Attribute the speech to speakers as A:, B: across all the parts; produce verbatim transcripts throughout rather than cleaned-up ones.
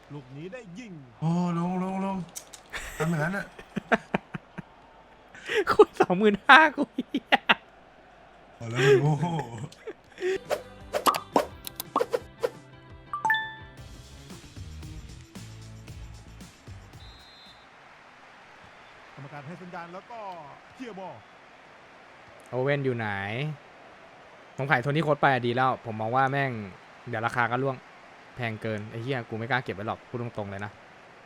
A: ลูกนี้ได้ยิง
B: โอ้ลงลงลงทำอย่างนั้นอ่ะ
C: คุยสองหมื่นห้ากูเหี้ย
B: โอ้แล้วมันโง่
A: กรรมการให้สัญญาณแล้วก็เคลียร์บอล
C: โอเว่นอยู่ไหนผมขายโทนี่โค้ดไปอะดีแล้ว ผมมองว่าแม่งเดี๋ยวราคาก็ล่วงแพงเกินไอ้เหี้ยกูไม่กล้าเก็บไว้หรอกพูดตรงๆเลยนะ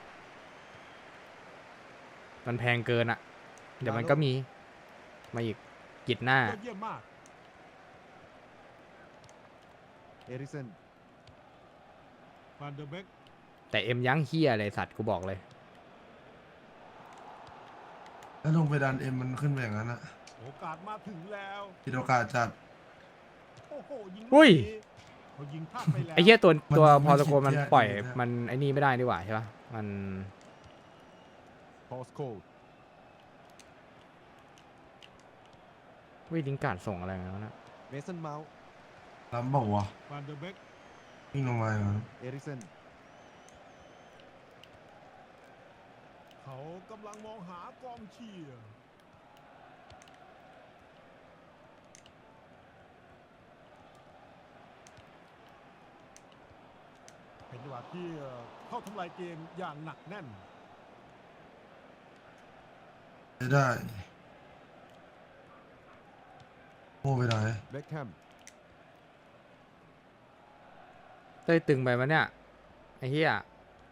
C: มันแพงเกินอะเดี๋ยวมันก็มีมาอีกกิดหน้าย
A: อดเยี่ยมมากเอริสันฟานเดอร์เบก
C: แต่เอ็มยั้งเหี้ยเลยสัตว์กูบอกเลย
B: แล้วลงไปดันเอ็มมันขึ้นไปอย่างนั้นอ่ะ
A: โอกาสมาถึงแล้ว
B: ผิดโอกาสจัด
A: โอ้โหยิง
C: อุ้ย
A: เขายิงพลาดไปแล้ว
C: ไอ้เหี้ยตัว
B: มัน
C: ตัว
B: มัน
C: พอตะโกน
B: คิด
C: มัน
B: เยอะ
C: ปล่อย
B: อยู่เนี่ย
C: มันไอ้นี่ไม่ได้ดีกว่าใช่ปะมัน
A: พอสโคด
C: วิลิงการ์ดส่งอะไรมาแล้วนะ
A: เมสันเมาส์
B: ล้ำบอกว่ะ
A: ฟานเดอร์เบก
B: วิ่งลงมาอย่างนั้น
A: เอริสันเขากำลังมองหากองเชียร์เป็นจังหวะที่เข้าทำลายเกมอย่างหนักแน่น
B: ไม่ได้โง่ไปไหน
A: เบคแฮม
C: เต้ยตึงไปมั้ยเนี่ยไอ้เหี้ย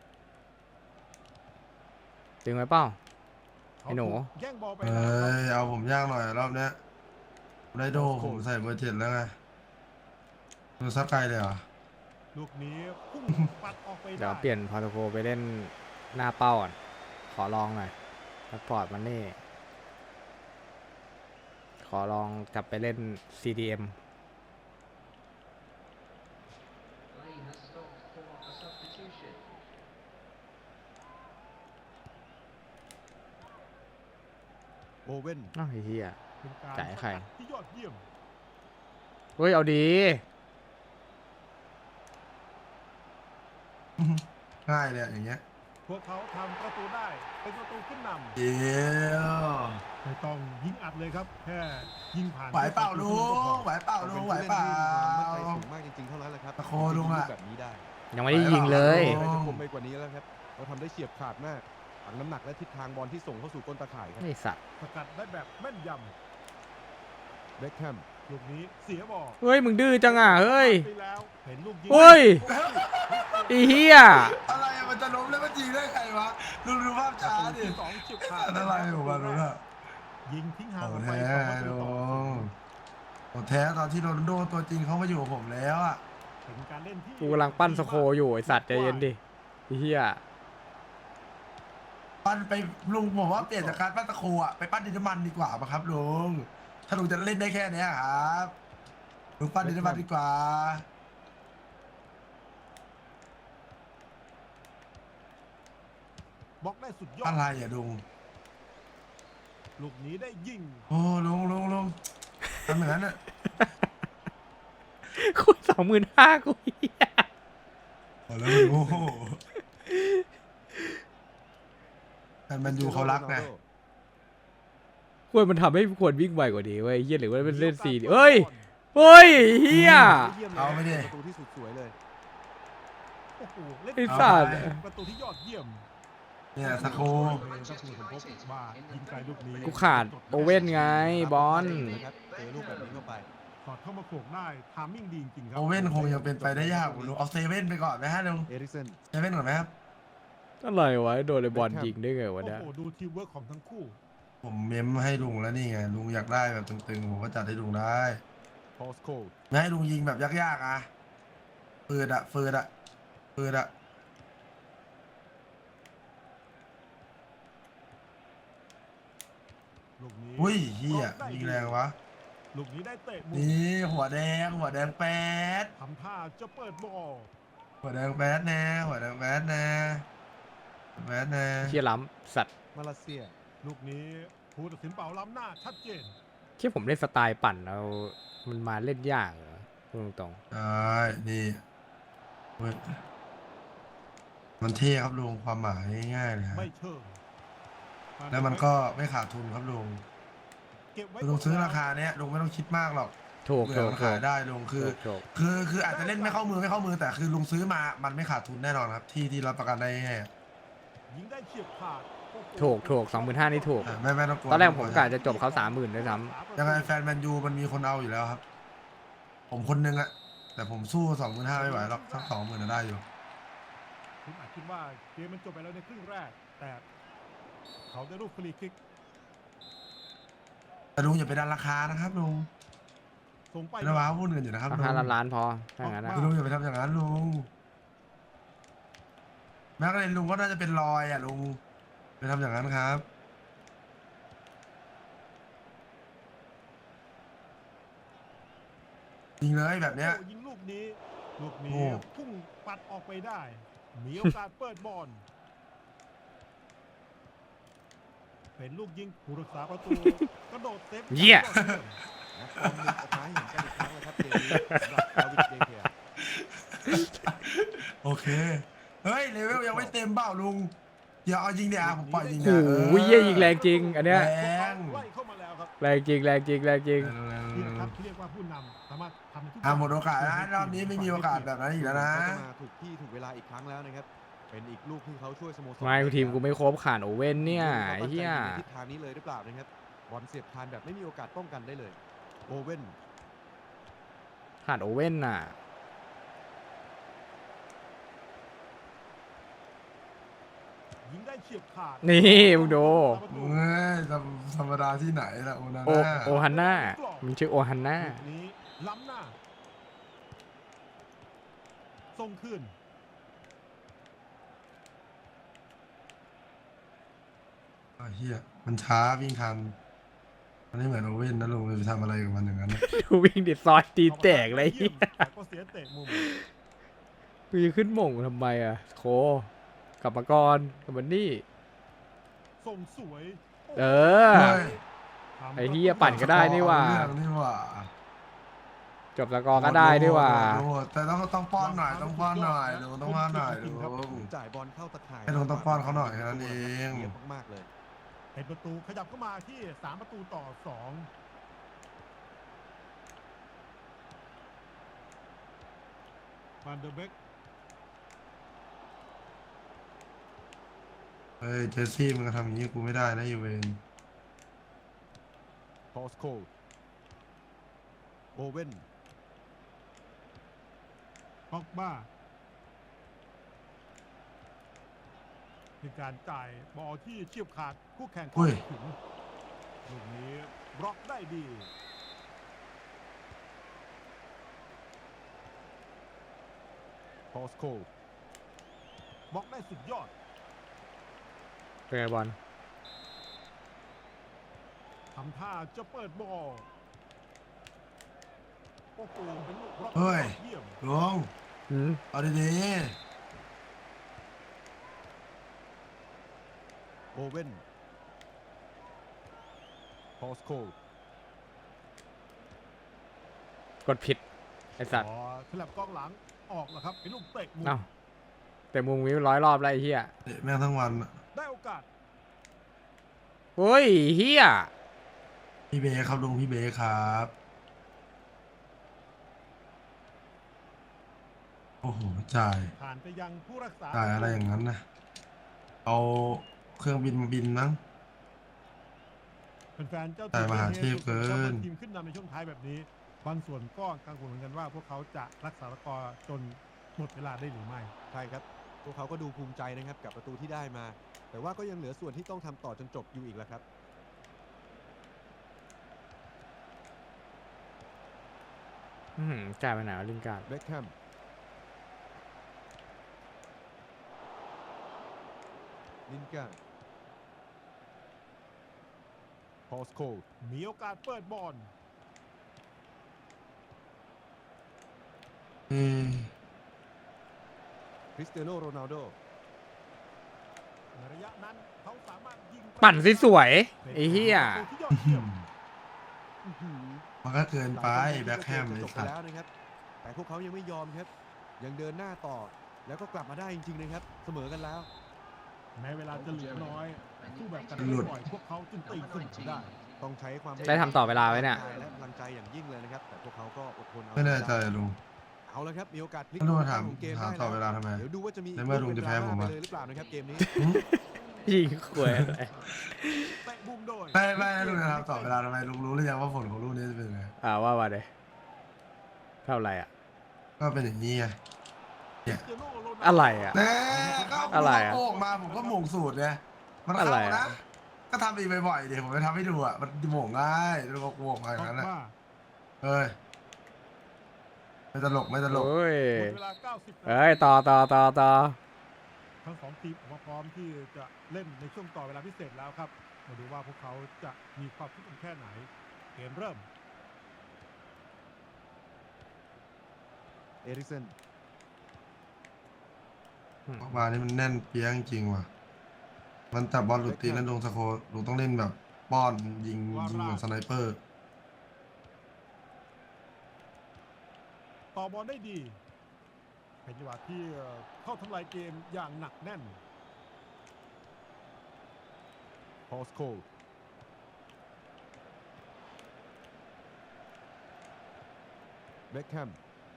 C: ตึงไปเปล่า ไอ้หนู
A: แย่งบอลไป
B: เอ้
A: แล้ว
B: ยเอาผมยากหน่อยรอบเนี้ยได้โดผมใส่เบอร์เจ็ดแล้วไงดูซักไกลเลยเหรอ
A: ลูกนี้พุ่งปัดออกไปได้
C: เดี๋ยวเปลี่ยนพอร์โตโกไปเล่นหน้าเป้าก่อนขอลองหน่อยซัพพอร์ตมันนี่ขอลองกลับไปเล่น ซี ดี เอ็ม
A: โอเว่น
C: อ้าวไอ้เหี้ย
A: เป็นการ
C: จ่ายให้ใคร
A: สกัดที่ยอดเยี่ยม
C: เฮ้ยเอาดี
B: ง่ายเลยอะอย่างเงี้ย
A: พวกเขาทำประตูได้เป็นประตูขึ้นน
B: เดี๋ยว
A: ำไม่ต้องยิงอัดเลยครับ แค่ยิงผ่าน
B: ไหวเปล่าลุงไหวเปล่าลุงไหวเปล่า
D: มั่นใจสูงมากจริงๆเท่านั้นแหละครับ
B: ตะโคลุงอะ
D: แบบนี้ได้
C: ยังไม่ได้ยิงเลย
B: โอ้
D: อะไรจะคมไปกว่านี้แล้วครับเราทำได้เฉียบขาดมากฝังน้ำหนักและทิศทางบอลที่ส่งเข้าสู่ก้นตาข่ายครับ
C: ไอ้สัตว์
A: สกัดได้แบบแม่นยำเบคแฮมลูกนี้เสียบอล
C: เฮ้ยมึงดื้อจังอ่ะเฮ้ย
A: ไปแล้วเห็นลูกยิง
C: เฮ้ยไอ้เหี้ย
B: อะไรอะมันจะล้มแล้วมันยิงได้ไงวะดูดูภาพช้าดิ
A: สองฉิบขาด
B: อะไรของมันวะ
A: ยิงทิ้งห่าง
B: โอ้
A: ออกไป
B: แท้
A: สองประตู
B: ลุ
A: ต่อศู
B: ง
A: นย์
B: โอ้แท้ตอนที่โรนัลโดตัวจริงเขามาอยู่กับผมแล้วอ่ะ
A: เป็นการเล่นที่
C: กูกำลังปั้นสโคอยู่ไอ้สัตว์ใจเย็นดิไอ้เหี้ย
B: ปั้นไปลุงผมว่าเปลี่ยนจากการปั้นตะโคอ่ะไปปั้นดินน้ำมันดีกว่าป่ะครับลุงถ้าลุงจะเล่นได้แค่เนี้ยครับลุงปั้นดินน้ำมันดีกว่า
A: บล็อกได้สุดยอด
B: อะไรอ่ะลุง
A: ลูกนี้ได้ยิง
B: โอ้ลุงลุงลุงทำอย่างนั้นอ่ะ
C: คุยสองหมื่นห้ากูเหี้ย
B: โอ้แล้วมันโง่แต่มันดูเขารักไง
C: ควรมันทำให้ควรวิ่งไวกว่านี้เว้ยเหี้ยหรือว่าเป็นเล่นซีเฮ้ยเฮ้ยเหี้ย
B: เอาไม่ดิ
D: ประตูที่สุดสวยเลย
A: โอ้โหเล่น
C: ไอ้สัตว์
A: ประตูที่ยอดเยี่ยม
B: เนี่ยสะโค
A: ก็คือผมพบว่ายิงไกลลูกนี้
C: กูขาดโอเว่นไงบอล
D: นะครับเจอลูกแบบนี้เข้าไป
A: สอดเข้ามาโขกได้ทามมิ่งดีจริงๆครั
B: โอเว่นคงยังเป็นไปได้ยากลุงเอาเซเว่นไปก่อนไหมฮะลุง
D: เอริสัน
B: เซเว่นก่อนไหมครับ
C: อะไรวะโดนไอ้บอลยิงได้ไงวะ
A: โอ้
C: เนี่ย
A: โหดูทีมเวิร์กของทั้งคู่
B: ผมเมมให้ลุงแล้วนี่ไงลุงอยากได้แบบตึงๆผมก็จัดให้ลุงได้
A: พอสโคด
B: ไม่ให้ลุงยิงแบบยากๆอ่ะฟืดอะฟืดอะฟืดอะ
A: ลูกนี้
B: อุ้ยเฮียยิงแรงวะ
A: ลูกนี้ได้เตะมุม
B: นี่หัวแดงหัวแดงแป๊ด
A: ทำท่าจะเปิดบอล
B: หัวแดงแป๊ดแน่หัวแดงแป๊ดแน่แป๊ดแน่
C: เชี่ยล้ำสัตว์
D: มาเลเซีย
A: ลูกนี้ผู้ตัดสินเป่าล้ำหน้าชัดเจน
C: เชี่ยผมเล่นสไตล์ปั่นแล้วมันมาเล่นยากเหรอพูดตรง
B: ใช่นี่เว้ยมันเท่ครับลุงความหมายง่ายๆเลยฮะ
A: ไม่เชิง
B: แล้วมันก็ไม่ขาดทุนครับลุง
A: เก็บไว้
B: ลุงซื้อราคาเนี้ยลุงไม่ต้องคิดมากหรอก
C: ถูก
B: เผื่
C: ถู
B: อก มัน
C: ถู
B: ขาก ยได้ลุงคือ
C: ถูก
B: คือคืออาจจะเล่นไม่เข้ามือไม่เข้ามือแต่คือลุงซื้อมามันไม่ขาดทุนแน่นอนครับ ที่ที่รับประกันได้แน่
A: ยิงได้เฉียบขาดโอ้โห
C: ถูกถูกสองหมื่นห้านี่ถูก
B: อ่ะไม่ไม่ต้องกลัว
C: ตอนแรกผมกะจะจบเขาสามหมื่นด้วยซ้
B: ยังไงแฟนแมนยูมันมีคนเอาอยู่แล้วครับ ผมคนนึงอะแต่ผมสู้สองหมื่นห้าไม่ไหวหรอกสักสองหมื่นได้อยู่
A: คุณอาจคิดว่าเกมมันจบไปแล้วในครึ่งแรก แต่เขาได้ลูกฟรีคิก
B: แต่ลุงอย่าไปดันราคานะครับลุง
A: ส่งไป
B: ไม่ได้ว้าวุ่นกันอยู่นะครับ
C: ำ
B: ลุง
C: ห้าล้านล้านพอถ้างั้นนะ
B: คือลุงอย่าไปทำอย่างนั้นลุงแม้กระทั่งลุงก็น่าจะเป็นรอยอะลุงไปทำอย่างนั้นครับยิงเลยแบบเนี้ย
A: โอ้ยิงลูกนี้ ลูกนี้
B: โอ้
A: พุ่งปัดออกไปได้ มีโอกาสเปิดบอล เป็นลูกยิงผู้รักษาประตู กระโดดเซฟ
C: เหี้ย
D: ฟอร์มหนึ่งออกมาให้เห็นกันอีกครั้งแล้วครับเกมนี้สำหรับดาวิดเดเกีย
B: โอเคเฮ้ยเลเวลยังไม่เต็มเปล่าลุงอย่าเอายิงเดี๋ยวผมปล่อยยิง
C: โอ้
B: เดี๋ยว
C: โหเยี่ยยิงแรงจริง อันเนี้ย
B: แรง
A: ไล่เข้ามาแล้วครับ
C: แรงจริงแรงจริงแรงจริง
A: นี่นะครับที่เรียกว่าผู้นำสามารถทำในทุก
B: อ่ะหมดโอกาสนะรอบนี้ไม่มีโอกาสแบบนั้นอีกแล้วนะ
D: เขาจะมาถูกที่ถูกเวลาอีกครั้งแล้วนะครับ เป็นอีกลูกที่เขาช่วยสโมสร
C: ไม่ทีมกูไม่ครบขาดโอเว่นเนี่ยไอ้เหี้ย
D: ขาตั้งใจในทิศทางนี้เลยหรือเปล่านะครับบอลเสียบคานแบบไม่มีโอกาสป้องกันได้เลยโอเว่น
C: ขาดโอเว่นน่ะ
A: ยิงได้เฉียบขาด
C: นี่มึงดู
B: เฮ้ยธรรมธรรมดาที่ไหนล่ะโอนา
C: โอ
B: น่า
C: โอฮันน่ามันชื่อโอฮันน่า
A: ลูกนี้ล้ำหน้าส่งขึ้น
B: อ้าวเฮียมันช้าวิ่งทันมันไม่เหมือนโอเว่นนะลุงไปทำอะไรกับมันอย่างนั้นนะ
C: ดูวิ่งดิซอยตีแตกเลย
A: ยี่มแต่ก็เสียเตะมุม
C: กูจะขึ้นหม่งทำไมอ่ะโคกลับมาก่อนกลับมานี่
A: ส่งสวย
C: เออ
B: เฮ้ย
A: ทำ
C: ไอ้เหี้ยปั่นก็ได้นี่หว่า
B: เรื่องนี่หว่า
C: จบสกอร์ก็ได้ด้วยว่า
B: โอ้โหแต่ต้องต้องป้อนหน่อยต้องป้อนหน่อยลุงต้องป้อนหน่อยลุง
D: จ่ายบอลเข้าตะข่าย
B: ให้ลุงต้องป้อนเขาหน่อยแค่นั้นเอง
D: เยี่ยมมากๆเลย
A: เป็นประตูขยับเข้ามาที่สามประตูต่อสองฟันเดอร์เบก
B: เฮ้ยเจสซี่มันก็ทำอย่างนี้กูไม่ได้นะยูเวน
D: พอสโคโอเว่น
A: บ็อกบ้าเป็นการจ่ายบอลที่เฉียบขาดคู่แข่งเข้าไม่ถึงลูกนี้บล็อกได้ดี
D: พอสโค
A: บล็อกได้สุดยอด
C: เป็นไงบอล
A: ทำท่าจะเปิดบอลโอ้โหเป็นลูกบล็อก
B: เฮ้ย
A: ยอดเยี่ยม
B: ลุง
C: อืม
B: เอาดี
D: โอเว่นพอสโค
C: กดผิดไอสัตว์
A: พอฉลับกองหลังออกแล้วครับเป็นลูกเตะมุม
C: เอ้าแต่มุมวิวร้อยรอบแล้วไอ้เหี้ย
B: ๆเตะแม่งทั้งวันอะ
A: ได้โอกาส
C: เฮ้ยเหี้ย
B: พี่เบคครับลุงพี่เบคครับโอ้โหจ่าย
A: ผ่านไปยังผู้รักษา
B: จ่ายอะไรอย่างนั้นนะเอาเครื่องบินมาบินมั้ง
A: เป็นแฟนเจ้า
B: จ่ายมหาเทพเกิน
A: ทีมขึ้นนำในช่วงท้ายแบบนี้ บางส่วนก็กังวลเหมือนกันว่าพวกเขาจะรักษาสกอร์จนหมดเวลาได้หรือไม่
D: ใช่ครับ พวกเขาก็ดูภูมิใจนะครับกับประตูที่ได้มา แต่ว่าก็ยังเหลือส่วนที่ต้องทำต่อจนจบอยู่อีกแล้วครับ
C: อื้อหือจ่ายไปไหนวะลินการ์ด
D: เบ็คแฮมลินการ์ดพอสโค
A: มีโอกาสเปิดบอล
B: เออ
D: คริสเตียโนโรนัลโด
A: ในระยะนั้นเขาสามารถยิง
C: ปั่นสวยๆไอ้เหี้ย
A: ประตูที่ยอดเยี่ยม
D: อื้อหือ
B: มันก็เกินไป
D: หลายคน
B: แบ็คแฮม
D: คิด
B: ไอ้
D: ว่าเกจะจบไป
B: สัตว์
D: แล้วนะครับ แต่พวกเขายังไม่ยอมครับ ยังเดินหน้าต่อแล้วก็กลับมาได้จริงๆนะครับเสมอกันแล้ว
A: แม้เวลาจะเหลือน้อยสู้แบบกัน
B: หลุด
A: บ่อยพวกเขาจึงตีเสมอได้
D: ต้องใช้ความ
C: ได้ทำต่อเวลาไว้เนี่ย
D: และพลังใจอย่างยิ่งเลยนะครับแต่พวกเขาก็อดทนเอา
B: ไม่แน่ใจลุง
D: เอาละครับมีโอกาสพลิก
B: แล้วลุงมาถาม
D: ของเกม
B: ถาม
D: ได้
B: ต่อเวลาทำไม
D: เดี๋ยวดูว่าจะมี
B: ในเมื่อลุงจะแพ้ผม
D: ไป
B: อะ
D: เลยหรือเปล่านะครับเกมนี้
C: ยิงขวยอะไร
A: เตะบุ้มโดย
B: ไม่ไม่ลุงจะทำต่อเวลาทำไมลุงรู้หรือยังว่าผลของลูกนี้จะเป็นยังไง
C: อ่าว่ามาเลยเท่าไหร่อ่ะ
B: ก็เป็นอย่างนี้ไง
C: อะไรอ่ะ
B: แน่ก็
C: อะไรอะ
B: โป่งมาผมก็หม่งสูตรไงมัน
C: อะไร
B: เข้า
C: อะ
B: นะก็ทำอีกบ่อยๆเดี๋ยวผมจะทำให้ดูอ่ะมันหม่งง่ายลุงก็โป่งมาอย่างนั้นแหละ
A: มา
B: เฮ้ยไม่ตลกไม่ตลก
C: โอ้ย
A: หมดเวลาเก้าสิบนาที
C: เอ้ยต่อต่อต่อต่อ
A: ทั้งสองทีมออกมาพร้อมที่จะเล่นในช่วงต่อเวลาพิเศษแล้วครับมาดูว่าพวกเขาจะมีความฟิตกันแค่ไหน เกมเริ่ม
D: เอริกเซน
B: ออกมานี่มันแน่นเปี้ยงจริงว่ะ มันแต่บอลหลุดตีนั้นลงสโคลุงต้องเล่นแบบป้อนยิงยิงเหมือนสไนเปอร์
A: ต่อบอลได้ดี เป็นจังหวะที่เข้าทำลายเกมอย่างหนักแน่น
D: พอสโคเบคแฮม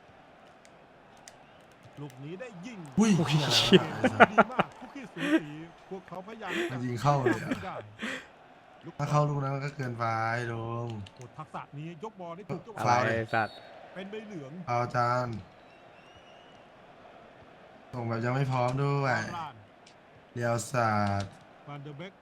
A: ลูกนี้ได้ยิง
B: อุ้ย
C: โอ้ย
A: ดีมากคุกกี้สูสีพวกเขาพยายามที่จะ
B: ยิงเข้าเลยอะ
A: ได้
B: ถ้าเข้าลูกนั้นก็เกินไปลุง
A: โอ้ทักษะนี้ยกบอลได้ถูกจังห
C: อะไร
A: วะ
B: ฟาวล์เลย
C: สัตว์
A: เป็นใบเหลือง
B: เอาจานส่งแบบยังไม่พร้อมด้วย
A: ลาน
B: เดียวศาสตร์
A: van der Beek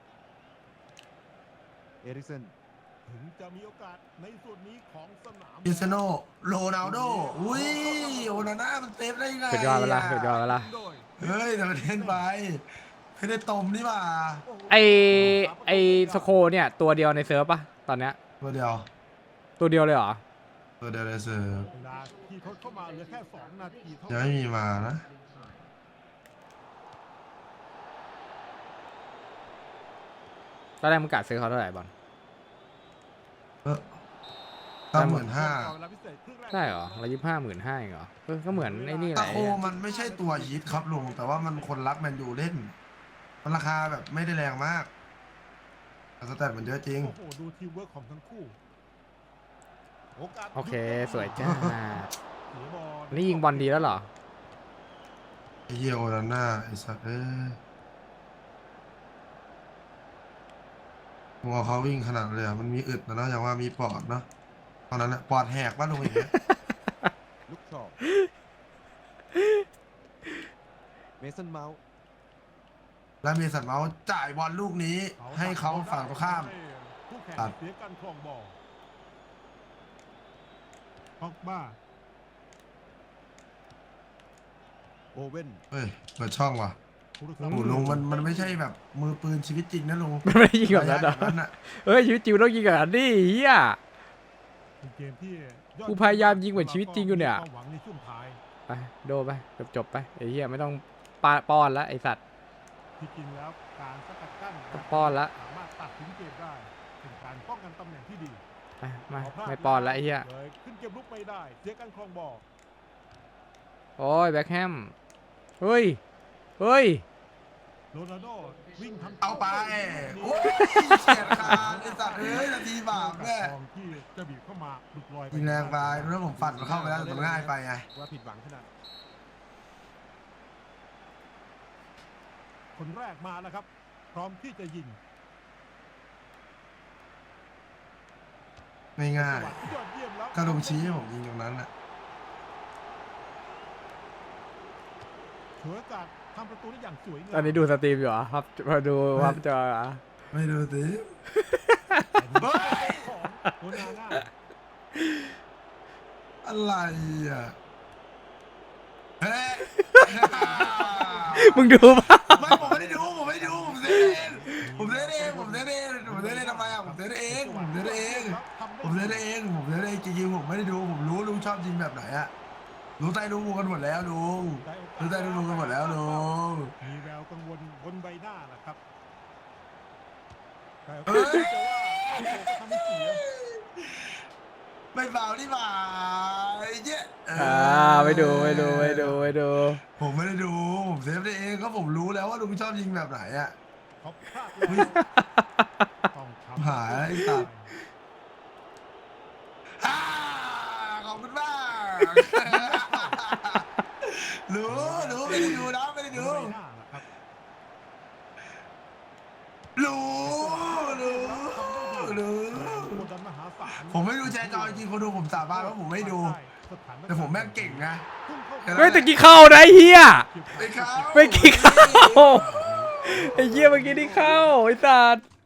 D: เอริกเซน
A: ถึงจะมีโอกาสในส่วนนี้ของสนาม
B: คริสเตียโนโรนัลโดอุ้ยโอนาน่ามันเซฟได้ไง
C: สุดยอดเวลาสุดยอดเวลา
A: โดย
B: เฮ้ยแต่มันเล่นไปไม่ได้ตมนี่หว่า
C: ไอไอสโคเนี่ยตัวเดียวในเซิร์ฟปะตอนเนี้ย
B: ตัวเดียว
C: ตัวเดียวเลยเหรอ
B: ตัวเดียวเลยเสิร์ฟ
A: เวลาที่ทดเข้ามาเหลือแค่สองนาทีเท่า
B: ยัง
A: นั้น
B: ไม่มีมานะ
C: ตอนแรกมึงกะซื้อเขาเท่าไหร่บอล
B: เออตั้งหมื่นห้า
A: เวลาพิเศษครึ่งแรก
C: ใช่เหรอร้อยยี่สิบห้าหมื่นห้าเองเหรอเออก็เหมือนไอ้นี่แห
B: ตะ
C: ละ
B: โคมันไม่ใช่ตัวฮิตครับลุงแต่ว่ามันคนรักแมนยูเล่น มันราคาแบบไม่ได้แรงมากแต่สแตทมันเยอะจริง
A: โอ้โหดูทีมเวิร์กของทั้งคู่โอกาส
C: โอเคสวยจ้า
A: เสียบอล
C: นี่ยิงบอลดีแล้วเหรอ
B: ไอ้เหี้ยโอนาน่าไอ้สัสเอ้ยมึงเอาเขาวิ่งขนาดเลยอ่ะมันมีอึดนะเนาะอย่างว่ามีปอดเนาะตอนนั้นอะปอดแหกบ้านลุงอย่างเงี้ย
D: ลุกชอเมสันเมาส์
B: แล้วมีสัตว์เมาส์จ่ายบอลลูกนี้ ให้เขาฝั่งตรงข้าม
A: คู่แข่ง
B: ตัด
A: เสียการครองบอลพ็อกบ้า
D: โอเว่น
B: เฮ้ยเปิดช่องว่ะ
A: ผู้รักษา
B: โอ้โหลุงมันมันไม่ใช่แบบมือปืนชีวิตจริงนะลุง
C: มันไม่ได้ยิงแบบนั้นเหรอ
B: ระยะอย่างนั้นอะ
C: เฮ้ยชีวิตจริงต้องยิงแบบนั้นดิเฮีย
A: เป็นเกมที่ยอด
C: กูพยายามยิงเหมือนชีวิตจริงอยู่เนี่ย
A: มีความหวังในช่วงท้าย
C: ไปโดไปจบจบไปไอ้เหี้ยไม่ต้องปาป้อนละไอ้สัตว์
A: ที่จริงแล้วการสกัดกั้น
C: ต้องป้อนละ
A: สามารถตัดสินเกมได้เป็นการป้องกันตำแหน่งที่ดี
C: ไปมา
A: พลาด
C: ไม่ป้อนละไอ้เหี้ย
A: เลยขึ้นเกมลุกไม่ได้เสียการครองบอล
C: โอ้ยแบ็คแฮมเฮ้ยเฮ้ย
A: โรนัลโดวิ่งทำ
B: เอาไปโอ้ยเฉียดขาดไอ้สัตว์เอ้ยนาทีบาปแม่
A: ทองที่จะบีบเข้ามาหลุดลอย
B: ยิงแรงไปแล้วผมฝันมันเข้าไปแล้วแต่มันง่ายไปไง
D: ว่าผิดหวังขนาด
A: คนแรกมาแล้วครับ พร้อมที่จะยิง
B: ไม่ง่าย
A: จังหวะที่ยอดเยี่ยมแล้ว
B: ก็ลงชี้ให้ผมยิงตรงนั้นอ่ะ
A: ฉวยโอกาสทำประตูได้อย่างสวยงาม
C: ตอนนี้ดูสตรีมอยู่เหรอครับมาดูครับจอเหรอ
B: ไม่ดูสิ
A: ของโรนาน่า
B: อะไรอ่ะเฮ้ย
C: มึงดูป่ะ
B: ไม่ผมไม่ได้ดูผมไม่ได้ดูผมเล่นเองผมเล่นเองผมเล่นเองผมเล่นเองทำไมอ่ะผมเล่นเองผมเล่นเองผมเล่นเองผมเล่นเองจริงๆผมไม่ได้ดูผมรู้ลุงชอบยิงแบบไหนอ่ะรู้ใจลุงกันหมดแล้วลุงรู้ใจลุงกันหมดแล้วลุง
A: มีแววกังวลบนใบหน้าแหละครับแต่
B: เฮ้ย
A: จะว่าโอ้โหก็ทำให้เสีย
B: ไม่เบานี่หว่าไอ้เจ๊เ
C: อ่าไม่ดูไม่ดูไม่ดูไม่ดู
B: ผมไม่ได้ดูผมเซฟได้เองก็ผมรู้แล้วว่าลุงชอบยิงแบบไหนอ่ะ
A: เขาพลาดแล้วต้องทำ
B: หายไอ้สัตว์ อ่าขอบคุณมากรู้รู้ไม่ได้ดูนะไม่ได้ดู
A: ไม่น่าล่ะครับ
B: รู้รู้รู้
A: กดดันมหาศาล
B: ผมไม่ดูแชร์จอจริงคนดูผมสาบานว่าผมไม่ดู แต่ผมแม่งเก่งนะ
C: เฮ้ยตะกี้เข้านะไอ้เฮีย
B: ไปเข้า
C: ไปกี่เข้า ไอ้เฮียเมื่อกี้ที่เข้าไอ้สัตว์